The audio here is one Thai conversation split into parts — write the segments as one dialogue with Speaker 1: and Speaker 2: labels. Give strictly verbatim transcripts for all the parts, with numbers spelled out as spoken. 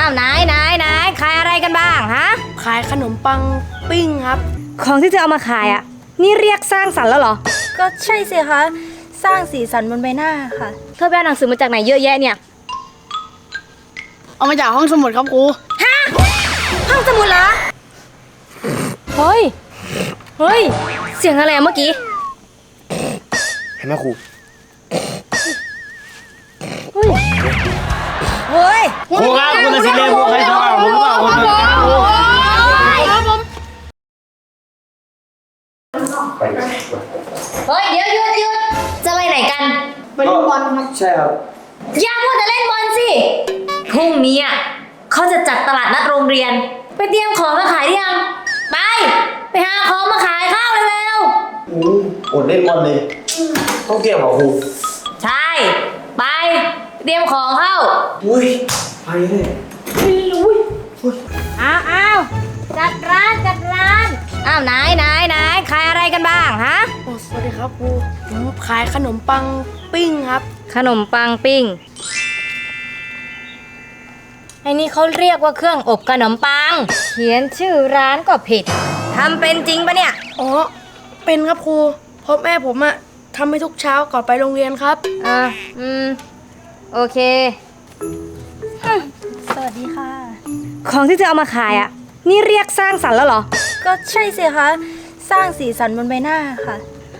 Speaker 1: าวไหนไหนไหนขายอะไรกันบ้างฮะ
Speaker 2: ขายขนมปังปิ้งครับ
Speaker 1: ของที่เธอเอามาขายอ่ะนี่เรียกสร้างสรรค์แล้วเหรอ
Speaker 2: ก็ใช่สิคะสร้างสีสันบนใบหน้าค่ะ
Speaker 1: เธอไปเอาหนังสือมาจากไหนเยอะแยะเนี่ย
Speaker 2: เอามาจากห้องสมุดครับครู
Speaker 1: ฮะห้องสมุดเหรอเฮ้ยเฮ้ยเสียงอะไรเมื่อกี้
Speaker 3: เห็นไหมครู
Speaker 1: เฮ้ยเฮ้ย
Speaker 3: ครูครับคุณจะสิเล่นพวกใครครับผมหรือเปล่าผม
Speaker 1: ครับผมเฮ้ยเดี๋ยวหยุดหยุดจะไปไหนกัน
Speaker 2: ไปเล่นบอลครับ
Speaker 3: ใช่ครับ
Speaker 1: อย่าพูดแต่เล่นบอลสิพรุ่งนี้อ่ะเขาจะจัดตลาดนัดโรงเรียนไปเตรียมของมาขายหรือยังไปไปหาของมาขายข้าวเร็ว
Speaker 3: ๆอืมอดเล่นบอลเลยต้องเตรียมเหรอครู
Speaker 1: ใช่ไปเตรียมของเข้า
Speaker 3: อุ้ยไปเลย
Speaker 1: อุ้ยอ้าวอ้าวจัดร้านจัดร้านอ้าวไหนไหนไหนขายอะไรกันบ้างฮะ
Speaker 2: โอ้สวัสดีครับครูผมขายขนมปังปิ้งครับ
Speaker 1: ขนมปังปิ้งไอ้นี่เขาเรียกว่าเครื่องอบขนมปังเขียนชื่อร้านก็ผิดทำเป็นจริงปะเนี่ย
Speaker 2: อ๋อเป็นครับครูเพราะแม่ผมอะทำให้ทุกเช้าก่อนไปโรงเรียนครับ
Speaker 1: อ่าอืมโอเค
Speaker 2: สวัสดีค่ะ
Speaker 1: ของที่เธอเอามาขายอ่ะนี่เรียกสร้างสรรค์แล้วเหรอ
Speaker 2: ก็ใช่สิคะสร้างสีสันบนใบหน้าค่ะ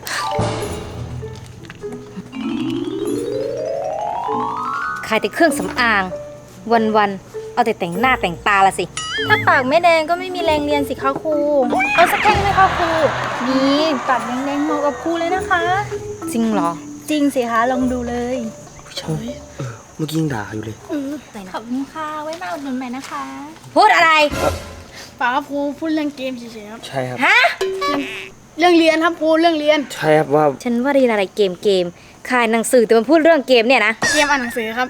Speaker 1: ขายแต่เครื่องสำอางวันๆเอาแต่แต่งหน้าแต่งตาละสิ
Speaker 2: ถ้าปากไม่แดงก็ไม่มีแรงเรียนสิคะครูเอาสักแท่งไหมคะครูนี่ปากแดงๆเหมาะกับครูเลยนะคะ
Speaker 1: จริงเหรอ
Speaker 2: จริงสิคะลองดูเลย
Speaker 3: ใช่เออเมื่อกี้ยังด่าอยู่เลย
Speaker 2: ขอบคุณค่ะไว้มาอุดหนุนใหม่นะคะ
Speaker 1: พูดอะไร
Speaker 2: ปากครับครูพูดเรื่องเกมเฉยๆครับ
Speaker 3: ใช่ครับ
Speaker 1: ฮะ
Speaker 2: เรื่องเรียนครับครูเรื่องเรียน
Speaker 3: ใช่ครับว่า
Speaker 1: ฉันว่าเรียนอะไรเกมเกมขายหนังสือแต่มันพูดเรื่องเกมเนี่ยนะ
Speaker 2: เกมอ่านหนังสือครับ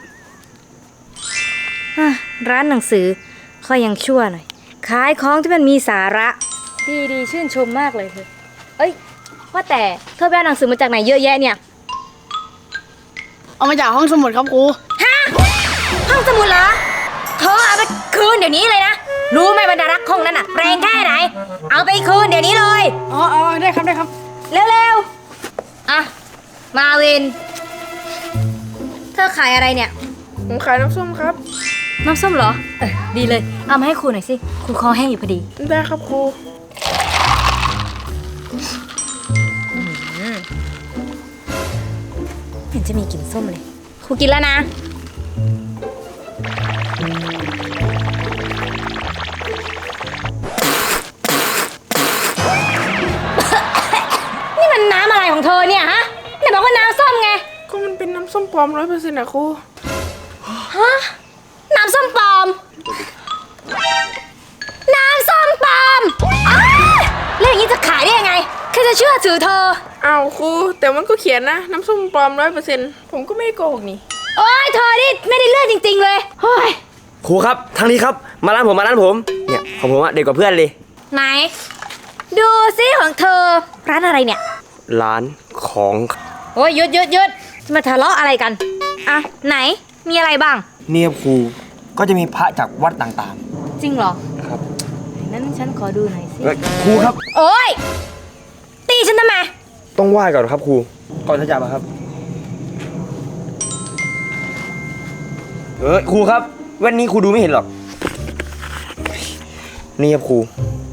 Speaker 1: ร้านหนังสือค่อยยังชั่วหน่อยขายของที่มันมีสาระดีดีชื่นชมมากเลยเธอเอ้ยว่าแต่เธอไปเอาหนังสือมาจากไหนเยอะแยะเนี่ย
Speaker 2: เอามาจากห้องสมุดครับครู
Speaker 1: ฮะห้องสมุดเหรอเธอเอาไปคืนเดี๋ยวนี้เลยนะรู้ไหมบรรดารักษ์ห้องนั้นน่ะแรงแค่ไหนเอาไปคืนเดี๋ยวนี้เลย
Speaker 2: อ๋ออ๋อได้ครับได้ครับ
Speaker 1: เร็วๆอ่ะมาวินเธอขายอะไรเนี่ย
Speaker 2: ผมขายน้ำส้มครับ
Speaker 1: น้ำส้มเหรอเออดีเลยเอามาให้ครูหน่อยสิครูคอแห้งอยู่พอดี
Speaker 2: ได้ครับครู
Speaker 1: เห็นจะมีกลิ่นส้มเลยครูกินแล้วนะนี่มันน้ำอะไรของเธอเนี่ยฮะไหนบอกว่าน้ำส้มไง
Speaker 2: ก็มันเป็นน้ำส้มปลอมร้อยเปอร์เซ็นต์นะครู
Speaker 1: ฮะน้ำส้มปลอมน้ำส้มปลอมแล้วอย่างนี้จะขายได้ยังไงใครจะเชื่อถือเธอ
Speaker 2: อ้าวครูแต่มันก็เขียนนะน้ำส้มปลอมร้อยเปอร์เซ็นต์ผมก็ไม่ได้โกหกนี่
Speaker 1: โอ้ยเธอนี่ไม่ได้เลือดจริงๆเลยเฮ้ย
Speaker 3: ครูครับทางนี้ครับมาร้านผมมาร้านผมเนี่ยของผมอะเด็กกว่าเพื่อนเลย
Speaker 1: ไหนดูซิของเธอร้านอะไรเนี่ย
Speaker 3: ร้านของ
Speaker 1: โอ้ยหยุดหยุดหยุดมาทะเลาะอะไรกันอ่ะไหนมีอะไรบ้าง
Speaker 3: เนี่ยครูก็จะมีพระจากวัดต่าง
Speaker 1: ๆจริงเหรอ
Speaker 3: ครับ
Speaker 1: นั้นฉันขอดูหน่อยสิ
Speaker 3: ครูครับ
Speaker 1: โอ้ยตีฉันทำไม
Speaker 3: ต้องไหว้ก่อนครับครูก่อนจะจับครับเออครูครับแว่นนี้ครูดูไม่เห็นหรอกนี่ครับครู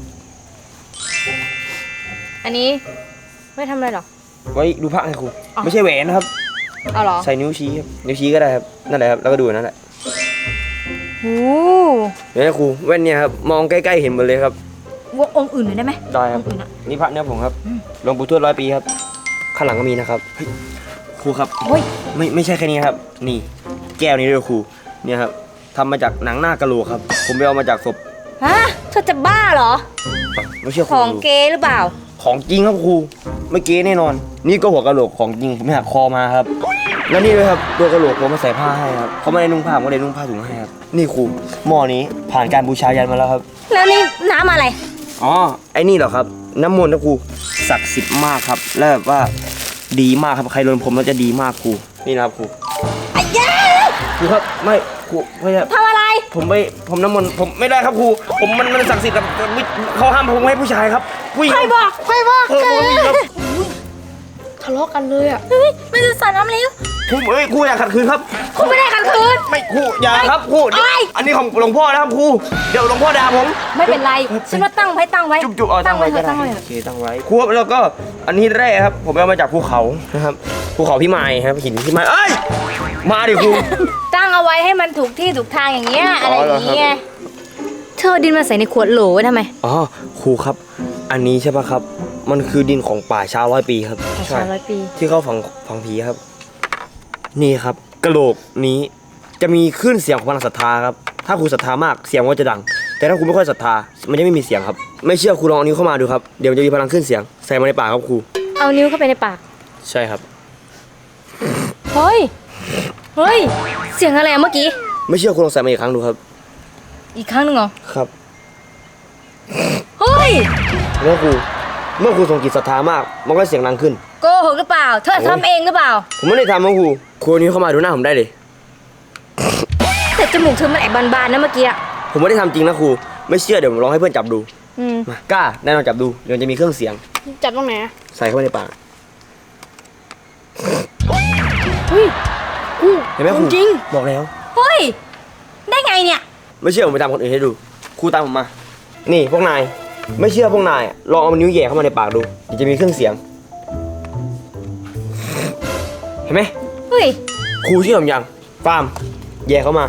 Speaker 1: อันนี้ไม่ทำอะไรหรอ
Speaker 3: ไว้ดูพระไงครูไม่ใช่แหวนนะครับ
Speaker 1: เอาหรอ
Speaker 3: ใส่นิ้วชี้ครับนิ้วชี้ก็ได้ครับนั่นแหละครับแล้วก็ดูนั่นแหละ
Speaker 1: โอ้
Speaker 3: เนี่ยครูแว่นเนี่ยครับมองใกล้ๆเห็นหมดเลยครับ
Speaker 1: วงองค์อื่นหน่อยได้ไหม
Speaker 3: ได้ครับนี่พระเนี่ยผมครับหลวงปู่ทวดร้อยปีครับข้างหลังก็มีนะครับครูครับไม่ไม่ใช่แค่นี้ครับนี่แก้วนี้ด้วยครูเนี่ยครับทำมาจากหนังหน้ากะโหลกครับผมไปเอามาจากศพ
Speaker 1: ฮะเธอจะบ้าเหรอ
Speaker 3: ไม่เชื่อ
Speaker 1: ของเก๊หรือเปล่า
Speaker 3: ของจริงครับครูไม่เก๊แน่นอนนี่ก็หัวกะโหลกของจริงผมหักคอมาครับแล้วนี่ด้วยครับตัวกะโหลกผมมาใส่ผ้าให้ครับเขาไม่ได้นุ่งผ้าผมก็เลยนุ่งผ้าถุงให้ครับนี่ครูหม้อนี้ผ่านการบูชายันมาแล้วครับ
Speaker 1: แล้วนี่น้ำอะไร
Speaker 3: อ๋อไอ้นี่เหรอครับน้ำมนต์นะครูศักดิ์สิทธิ์มากครับแล้วแบบว่าดีมากครับใครโดนผมแล้วจะดีมากครูนี่นะครับครู
Speaker 1: ไอ้ยา
Speaker 3: ครูครับไม่ครูไม่ใช่
Speaker 1: ทำอะไร
Speaker 3: ผมไม่ผมน้ำมนต์ผมไม่ได้ครับครูผมมันมันศักดิ์สิทธิ์ครับเขาห้ามผมให้ผู้ชายครับผู้หญิง
Speaker 2: ใครบอกใครบอก
Speaker 3: เออผมมีครับ
Speaker 4: ทะเลาะกันเลยอ่ะ
Speaker 2: เฮ้ยมันจะสารน้ำเลี้ยว
Speaker 3: ครูเอ้ยครูอยากขัดขืนครับ
Speaker 2: คุณไม่ได้ขัดขืน
Speaker 3: ไม่ครูอย่าครับครูเดี๋ยว
Speaker 2: เอ้ย
Speaker 3: อันนี้ของหลวงพ่อนะครับครูเดี๋ยวหลวงพ่อด่าผม
Speaker 2: ไม่เป็นไรฉันว่าตั้งไว้ตั้งไว้
Speaker 3: จุ๊บจุ๊บเอาตั้งไว้
Speaker 2: เถ
Speaker 3: ก็
Speaker 2: อะ
Speaker 3: ได้
Speaker 2: ตั้งไว้เถ
Speaker 3: โอ
Speaker 2: อะ
Speaker 3: เคตั้งไว้ครูครับแล้วก็อันนี้แร่ครับ ผมเอามาจากภูเขานะครับภูเขาพี่ไม้ครับหินพี่ไม้เอ้ยมาดิครู
Speaker 1: ตั้งเอาไว้ให้มันถูกที่ถูกทางอย่างเงี้ย
Speaker 3: อ๋
Speaker 1: อะ
Speaker 3: อ
Speaker 1: ไรอย่างเงี้ยเธอเอาดินมาใส่ในขวดโหลไว้ทำไม
Speaker 3: อ๋อครูครับ อันนี้ใช่ปะครับ มันคือดินของป่าช้าร้อยปีครับ
Speaker 1: ป่าช้าร้อยปี
Speaker 3: ที่เขาฝังฝังผีครับ นี่ครับกระโหลกนี้จะมีคลื่นเสียงของพลังศรัทธาครับถ้าครูศรัทธามากเสียงมันก็จะดัง แต่ถ้าครูไม่ค่อยศรัทธามันจะไม่มีเสียงครับ ไม่เชื่อครูลองเอานิ้วเข้ามาดูครับเดี๋ยวมันจะมีพลังคลื่นเสียงใส่มาในปากครับครู
Speaker 1: เอานิ้วเข้าไปในปาก
Speaker 3: ใช่ครับ
Speaker 1: เฮ้ย เฮ้ย เสียงอะไรอะเมื่อกี้
Speaker 3: ไม่เชื่อครูลองใส่มาอีกครั้งดูครับ
Speaker 1: อีกครั้งหนึ่งเหรอ
Speaker 3: ครับ
Speaker 1: เฮ้ย
Speaker 3: เมื่อครูเมื่อครูทรงจิตศรัทธามากมันก็เสียงดังขึ้น
Speaker 1: โกหกหรือเปล่า เธอทำเองหรือเปล่า
Speaker 3: ผมไม่ได้ทำครับครูครูเอานิ้วเข้ามาดูหน้าผมได้เลย
Speaker 1: แต่จมูกเธอมันแอบบานๆนะเมื่อกี้อะ
Speaker 3: ผมไม่ได้ทำจริงนะครูไม่เชื่อเดี๋ยวผมลองให้เพื่อนจับดู
Speaker 1: อืม
Speaker 3: มากล้าแน่นอนจับดูเดี๋ยวมันจะมีเครื่องเสียง
Speaker 4: จับตรงไหนอะ
Speaker 3: ใส่เข้าไปในปาก
Speaker 4: เฮ้ยกู
Speaker 3: เห็นไหมครู
Speaker 4: จริง
Speaker 3: บอกแล้ว
Speaker 1: เฮ้ย ได้ไงเนี่ย
Speaker 3: ไม่เชื่อผมไปตามคนอื่นให้ดูครูตามผมมา นี่พวกนายไม่เชื่อพวกนายอะลองเอานิ้วแหย่เข้ามาในปากดูเดี๋ยวจะมีเครื่องเสียง เห็นไหม
Speaker 1: เฮ้ย
Speaker 3: ครูเชื่อผมยังฟาร์มแหย่เข้ามา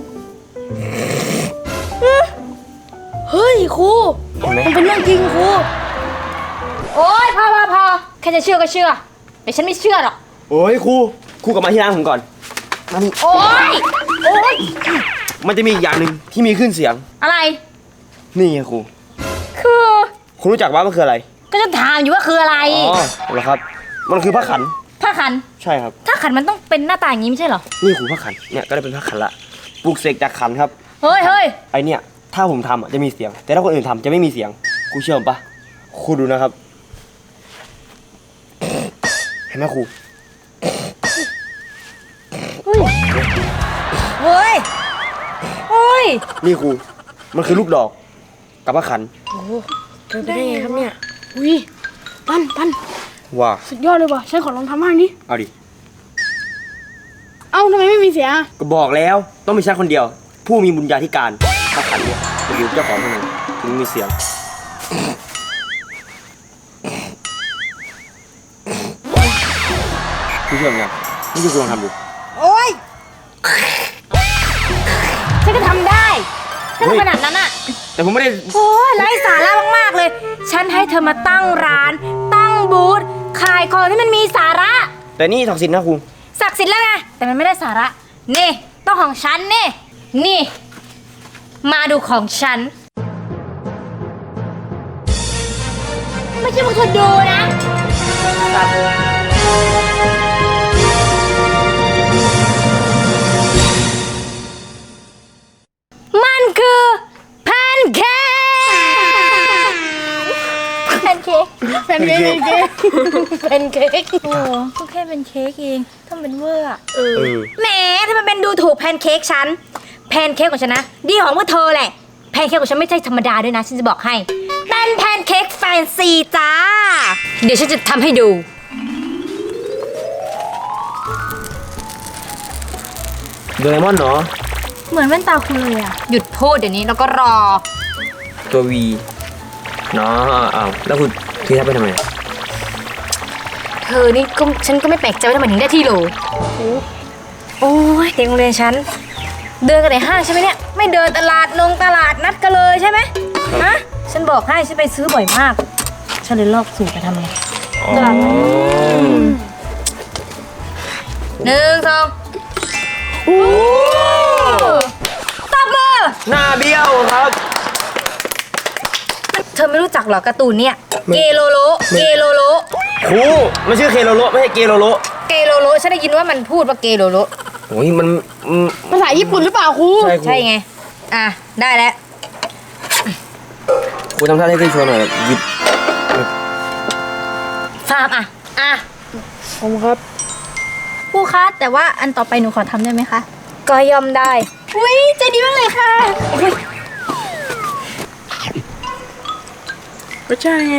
Speaker 4: เฮ้ยครู
Speaker 3: เห็นไหม
Speaker 4: มันเป็นเรื่องจริงครู
Speaker 1: โอ๊ยพอพอพอแค่จะเชื่อก็เชื่อ แต่ฉันไม่เชื่อหรอก
Speaker 3: โอ้ยครูครูกลับมาที่ร้านผมก่อนมานี่
Speaker 1: โอ๊ย โอ๊ย
Speaker 3: มันจะมีอีกอย่างหนึ่งที่มีขึ้นเสียง
Speaker 1: อะไร
Speaker 3: นี่ไงครู
Speaker 1: คือ
Speaker 3: คุณรู้จักว่ามันคืออะไร
Speaker 1: ก็จะถามอยู่ว่าคืออะไร
Speaker 3: อ๋อเหรอครับ มันคือผ้าขัน
Speaker 1: ผ้าขัน
Speaker 3: ใช่ครับ
Speaker 1: ถ้าขันมันต้องเป็นหน้าตาอย่างนี้ไม่ใช่เหรอ
Speaker 3: นี่ครูผ้าขันเนี่ยก็ได้เป็นผ้าขันละปลูกเสกจากขันครับ
Speaker 1: เฮ้ยเฮ้ย
Speaker 3: ไอเนี่ยถ้าผมทำอ่ะจะมีเสียง แต่ถ้าคนอื่นทำจะไม่มีเสียงครูเชื่อผมปะครูดูนะครับ เห็นไหมครู
Speaker 1: เฮ้ย เฮ้ย เฮ้ย
Speaker 3: นี่ครูมันคือลูกดอกกับผ้าขัน
Speaker 4: เป็นไปได้ไงครับเนี่ยอุ้ยปั้นปั้น
Speaker 3: ว้า
Speaker 4: สุดยอดเลยว่ะฉันขอลองทำบ้างดิ
Speaker 3: เอาดิ
Speaker 4: เอ้าทำไมไม่มีเสียงอะ
Speaker 3: ก็บอกแล้วต้องมีฉันคนเดียว ผู้มีบุญญาธิการผ้าขันเนี่ยจะอยู่เจ้าของเท่านั้นถึงมีเสียงครูเชื่อผมยังไม่เชื่อครูลองทำดู
Speaker 1: โอ๊ย ฉันก็ทำได้ถ้า
Speaker 3: เฮ้ย
Speaker 1: ขนาดนั้นอะ
Speaker 3: แต่ผมไม่ได้
Speaker 1: โอ้ยไร้สาระมากๆเลย ฉันให้เธอมาตั้งร้าน ตั้งบูธ ขายของที่มันมีสาระ
Speaker 3: แต่นี่ศักดิ์สิทธิ์นะครู
Speaker 1: ศักดิ์สิทธิ์แล้วไง แต่มันไม่ได้สาระ นี่ ต้องของฉันนี่ นี่ มาดูของฉัน ไม่ใช่พวกเธอดูนะ มันคือแพนเค้กแพนเค้ก
Speaker 4: เป็นเค้กเป็นเค้ก
Speaker 1: โอ้ก็แค่เป็นเค้กเองทำเป็นเวอร์อะ
Speaker 4: เออ
Speaker 3: เออ
Speaker 1: แหมถ้ามันเป็นดูถูกแพนเค้กฉัน แพนเค้กของฉันนะ ดีของพวกเธอแหละ แพนเค้กของฉันไม่ใช่ธรรมดาด้วยนะ ฉันจะบอกให้ เป็นแพนเค้กแฟนซีจ้า เดี๋ยวฉันจะทำให้ดู
Speaker 3: โดเรมอนเนาะ
Speaker 1: เหมือนแว่นตาคุณเลยอะหยุดพูดเดี๋ยวนี้แล้วก็รอ
Speaker 3: ตัววีเนาะอ้าวแล้วคุณที่ทับไปทำไม
Speaker 1: เธอนี่ก็ฉันก็ไม่แปลกใจว่าทำไมถึงได้ที่โหลโอ้ยเด็กโรงเรียนฉัน เดินกันในห้างใช่ไหมเนี่ย ไม่เดินตลาดนงตลาดนัดกันเลยใช่ไหมฮะฉันบอกให้ฉันไปซื้อบ่อยมาก ฉันเลยลอกสูตรไปทำไง
Speaker 3: อ๋อ
Speaker 1: หนึ่งสองตบมือ
Speaker 3: หน้าเบี้ยวครับ
Speaker 1: เธอไม่รู้จักเหรอการ์ตูนเนี่ย เกโลโล เกโลโล
Speaker 3: ครูมันชื่อเคโลโลไม่ใช่เกโลโล
Speaker 1: เกโลโล ฉันได้ยินว่ามันพูดว่าเกโลโล
Speaker 3: โอ้ยมันอืม
Speaker 4: ภาษาญี่ปุ่นหรือเปล่าครู
Speaker 3: ใช่ครู
Speaker 1: ใช่ไง อ่ะ ได้แล้ว
Speaker 3: ครูทำท่าให้ขึ้นโชว์หน่อยแบบหยิบ
Speaker 1: ฟาร์มอ่ะ อ่ะ
Speaker 4: ผมครับ
Speaker 2: ครูคะแต่ว่าอันต่อไปหนูขอทำได้ไหมคะ
Speaker 1: ก็ย่อมได้
Speaker 2: อุ้ยใจดีมากเลยค่ะ
Speaker 4: รสชาติไง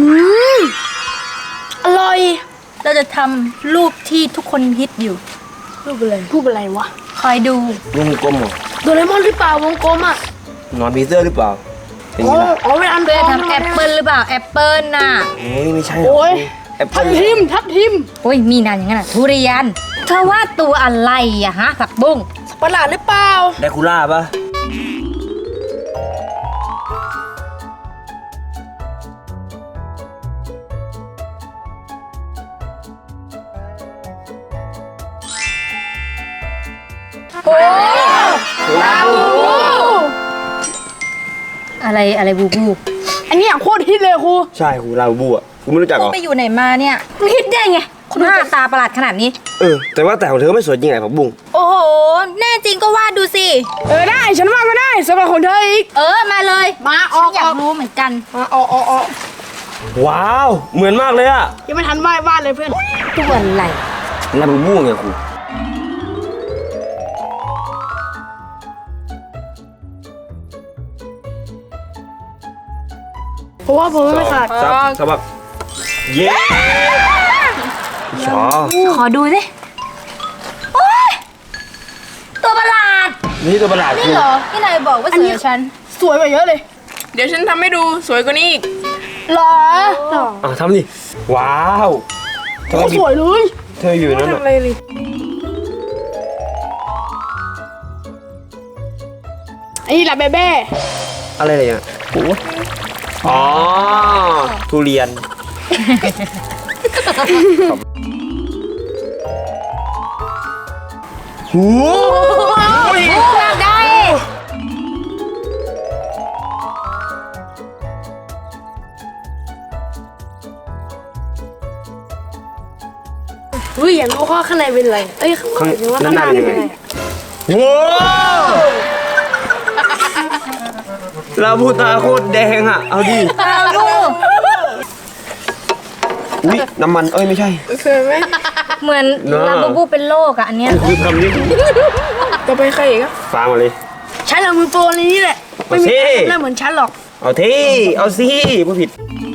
Speaker 4: อร่อย
Speaker 2: เราจะทำรูปที่ทุกคนฮิตอยู่
Speaker 4: รูปอะไรรูปอะไรวะ
Speaker 2: คอยดู
Speaker 3: วงกลมเหรอ
Speaker 4: โดเรมอนหรือเปล่าวงกลมอ่ะ
Speaker 3: นอนพีเซอร์หรือเปล่าเป็น
Speaker 4: อ๋
Speaker 3: ไง
Speaker 4: อ
Speaker 3: ล่ะ
Speaker 4: อ๋อเป็นอัน
Speaker 2: เพื่อ
Speaker 4: ท
Speaker 2: ทำแอปเปิลหรือเปล่าแอปเปิลน่ะ
Speaker 3: เฮ้ยไม่ใช่หรอก
Speaker 4: โอ้ย
Speaker 3: แอปเปิ้
Speaker 4: ทั
Speaker 3: ล
Speaker 4: บทิมทับทิม
Speaker 2: โอ้ยมีนานอย่างนั้นอ่ะทุเรียนเธอว่าตัวอะไรอะฮะผักบุ้ง
Speaker 4: ประหลาดหรือเปล่า
Speaker 3: ไดคูล่าปะลาบู
Speaker 2: อะไรอะไรบูบู
Speaker 4: อันเนี้ยโคตรฮิตเลยครู
Speaker 3: ใช่ครูลาบูอ่ะครูไม่รู้จักเหรอ
Speaker 2: ไปอยู่ไหนมาเนี่ยไม่ฮิตได้ไงหน้าตาประหลาดขนาดนี้
Speaker 3: เออแต่ว่าแต่ของเธอไม่สวยจริงไงผักบุ้ง
Speaker 2: โอ้โหแน่จริงก็วาดดูสิ
Speaker 4: เออได้ฉันว่าก็ได้สำหรับของเธออีก
Speaker 2: เออมาเลย
Speaker 4: มาออก
Speaker 2: ฉันอยา
Speaker 4: ออก ก
Speaker 2: รู้เหมือนกัน
Speaker 4: มาออกออกออก
Speaker 3: ว้าวเหมือนมากเลยอ่ะ
Speaker 4: ยังไม่ทันไหว้บ้านเลยเพื่อน
Speaker 2: ตัวอะไร
Speaker 3: ลาบูบูไงครู
Speaker 4: เพราะว่าผมไม่ขาด
Speaker 3: ซับซับซับเย้ชอ
Speaker 2: ขอดูสิโอ้ยตัวประหลาด
Speaker 3: นี่ตัวประหลาดครู
Speaker 2: นี่เหรอที่นายบอกว่าสวยกว่าฉัน
Speaker 4: สวยกว่าเยอะเลย
Speaker 5: เดี๋ยวฉันทำให้ดูสวยกว่านี้อีก
Speaker 4: หรอ
Speaker 3: อ่ะทำดิว้าวเธอ
Speaker 4: โคตรสวยเลย
Speaker 3: เธออยู่นั่น
Speaker 4: ทำ
Speaker 3: น่ะ
Speaker 4: อะไรเลย ไอ้นี่แหละเบเบ้
Speaker 3: อะไรอะไรอ่ะโอ้อ๋อทุเรียน หู
Speaker 2: ได้
Speaker 4: อุ้ยอยากรู้ว่าข้างในเป็นอะไรเอ้ยข้าง
Speaker 3: ข้าง
Speaker 4: ในว่า
Speaker 3: นั่
Speaker 4: ข้าน ง
Speaker 3: ห
Speaker 4: ใน
Speaker 3: น้า
Speaker 4: เป็
Speaker 3: เป็น
Speaker 4: น
Speaker 3: ยัง
Speaker 4: อะ
Speaker 3: ไง
Speaker 4: ไร
Speaker 3: ว้าวลาบูตาโคตรแดงอ่ะ เอาดิ
Speaker 2: เอาดู
Speaker 3: อุ้ยน้ำมันเอ้ยไม่ใช่
Speaker 5: สวยไหม
Speaker 2: เหมือน
Speaker 3: เนอะ
Speaker 2: ลาบูบูเป็นโรคอะอันเนี้ย
Speaker 3: คือทำดิ
Speaker 5: ต่อไปใครอีกอะ
Speaker 3: ฟังมาเลย
Speaker 4: ฉันเอามือโปรในนี้แหละ ไม่มีใครทำได้เหมือนฉันหรอก
Speaker 3: เอาที่เอาสิผู้ผิด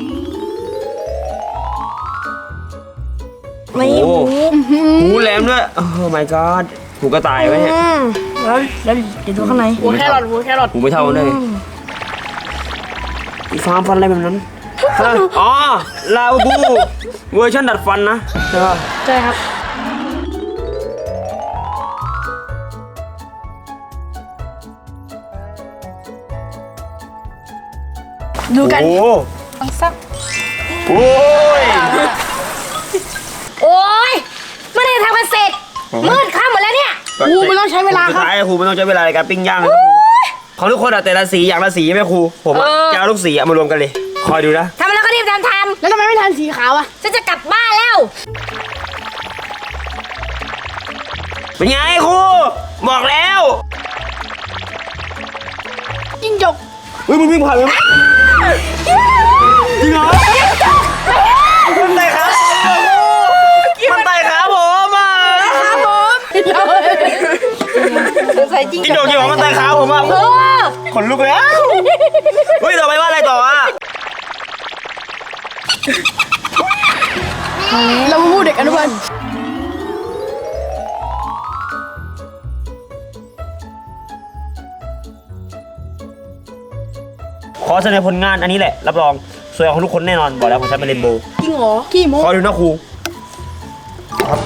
Speaker 4: ไม่
Speaker 3: โอ้โหหูแหลมด้วยโอ้ my god หูกระต่ายไว้เนี่ย
Speaker 4: อืมแล้วแล้วเดี๋ยวดูข้างใน
Speaker 5: หัวแครอทหัวแครอท
Speaker 3: หูไม่เท่ากันเลยอีฟาร์มฟันอะไรแบบนั้นฮะอ๋อลาบูเวอร์ชันดัดฟันนะใช่ป่ะ
Speaker 4: ใช่ครับ ดูกัน
Speaker 3: โอ้
Speaker 2: ต้องซัก
Speaker 3: โอ้ย
Speaker 2: โอ้ยเมื่อไหรจะทำมันเสร็จ มืดค่ำหมดแล้วเนี่ย
Speaker 4: ครูมันต้องใช้เวลา
Speaker 3: สุด
Speaker 4: ครับ
Speaker 3: ท้ายครูไม่ต้องใช้เวลาในการปิ้งย่างนะครับของทุกคนอะแต่ละสีอย่างละสีใช่ไหมครูผมอะจะเอาลูกสีอะมารวมกันเลย คอยดูนะ
Speaker 2: ทำแล้วก็รีบทำท
Speaker 4: แล้วทำไมไม่ทันสีขาวอ่ะ
Speaker 2: ำฉันจะกลับบ้านแล้ว
Speaker 3: เป็นไงครูบอกแล้ว
Speaker 4: จิ้งจก
Speaker 3: เฮ้ยมึงวิ่งผ่านไปมั้ยจริงเหรอมันไต่ขามันไต่ขาผมอ่ะ
Speaker 2: สงสัยจริง
Speaker 3: จริงจกจริงเหรอมันไต่ขาผมอ่ะ
Speaker 2: เออ
Speaker 3: ขนลุกเลยอ่ะเฮ้ยต่อไปว่าอะไรต่ออ่ะ
Speaker 4: เรามาพูดเด็กอนุบาล
Speaker 3: ขอเสนอผลงานอันนี้แหละรับรองสวยของทุกคนแน่นอนบอกแล้วของฉันเป็นเรนโบว์
Speaker 4: จริงเหรอขี้โม้
Speaker 3: ขอดูนะครูครับ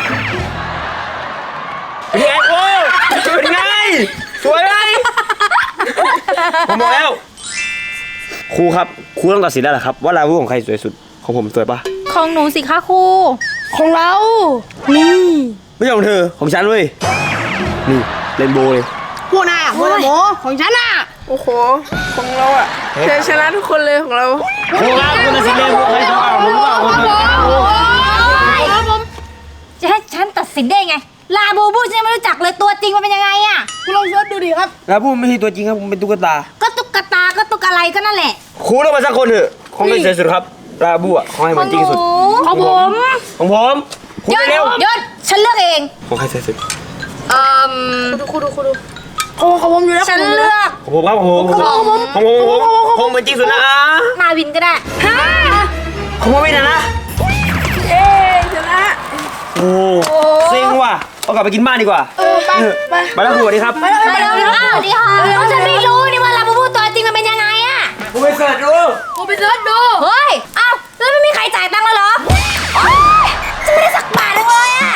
Speaker 3: เป็นไงโอ้เป็นไงสวยไหมผมบอกแล้วครูครับครูต้องตัดสินแล้วแหละครับว่าลาวูของใครสวยสุดของผมสวยปะ
Speaker 2: ของหนูสิคะครู
Speaker 4: ของเรา นี่
Speaker 3: ไม่ใช่ของเธอของฉันเว้ยนี่เรนโบว์เลย
Speaker 4: พวกนายอ่ะพวกนายโมของฉันอ่ะ
Speaker 5: โอ้โห ของเราอะเธอชนะทุกคนเลยของเรา
Speaker 3: ครูครับคุณตัดสินเรนโบว์ใครสวยกว่าผมหรือเปล่าผมสวยกว่าผม
Speaker 2: จะให้ฉันตัดสินได้ไง ลาบูบูฉันยังไม่รู้จักเลยตัวจริงมันเป็นยังไงอะ
Speaker 4: คุณลองเสิร์ชดูดิครับ
Speaker 3: ลาวูไม่ใช่ตัวจริงครับผมเป็นตุ๊กตา
Speaker 2: ก็ตุ๊กตา ก็ตุ๊กอะไรก็นั่นแหละ
Speaker 3: ครูต้องมาสักคนเถอะของใครสวยสุดครับลาบูอ่ะของใครเหมือนจริงสุด
Speaker 2: ของผม
Speaker 3: ของผมครู
Speaker 2: หยุด
Speaker 3: เร็ว
Speaker 2: หยุดฉันเลือกเอง
Speaker 3: ของใครสวยสุด
Speaker 2: เ
Speaker 1: เอ่อ
Speaker 5: ดูคูดูคูดูของของผมอยู่แล้ว
Speaker 1: ฉัน
Speaker 5: ของผมอยู่
Speaker 1: เลื
Speaker 5: แล้ว
Speaker 1: อก
Speaker 3: ของผมครับของผมของผมของผมของผมของผมเป็นจริงสุดนะ
Speaker 1: มาวินก็ได้ฮะ
Speaker 3: ของผมไม่นะนะ
Speaker 5: เอ๊ชนะ
Speaker 3: โอ้เซ็งว่ะเอากลับไปกินบ้านดีกว่า
Speaker 5: เออไปไป
Speaker 3: ไปแล้วครูสวัสดีครับ
Speaker 5: ไปแล้วไป
Speaker 1: ไป
Speaker 5: แล้ว
Speaker 1: เร็วๆอ้าวดีค่ะแล้วฉันไม่รู้นี่ว่าลาบูบูตัวจริงมันเป็นยังไงอะ
Speaker 3: ครูไปเสิร์ชดู
Speaker 5: กูไปเสิร์ชดู
Speaker 1: เฮ้ยอ้าวแล้วไม่มีใครจ่ายตังค์แล้วเหรอโอ๊ยฉันไม่ได้สักบาทเลยอะ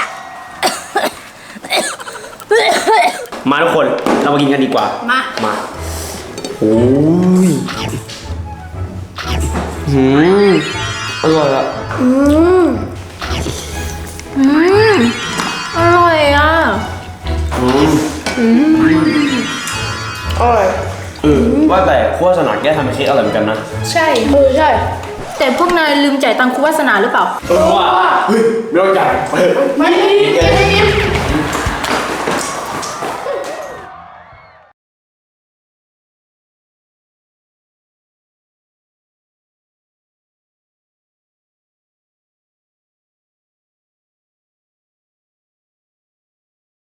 Speaker 3: มาทุกคนเรามากินกันดีกว่า
Speaker 5: มา
Speaker 3: มาโอ้ยหืมอร่อยอะ
Speaker 5: อร่อยอ่ะ
Speaker 3: อืม
Speaker 5: อร่อย
Speaker 3: เออว่าแต่ครัวสนาแกทำเค้กอร่อยเหมือนกันนะ
Speaker 5: ใช่เออใช่
Speaker 2: แต่พวกนายลืมจ่ายตังค์ครูวาสนาหรือเปล่า
Speaker 3: เออว่าเฮ้ยไม่ต้องจ่ายเออ
Speaker 5: ไม่ไม่ไม่ไม่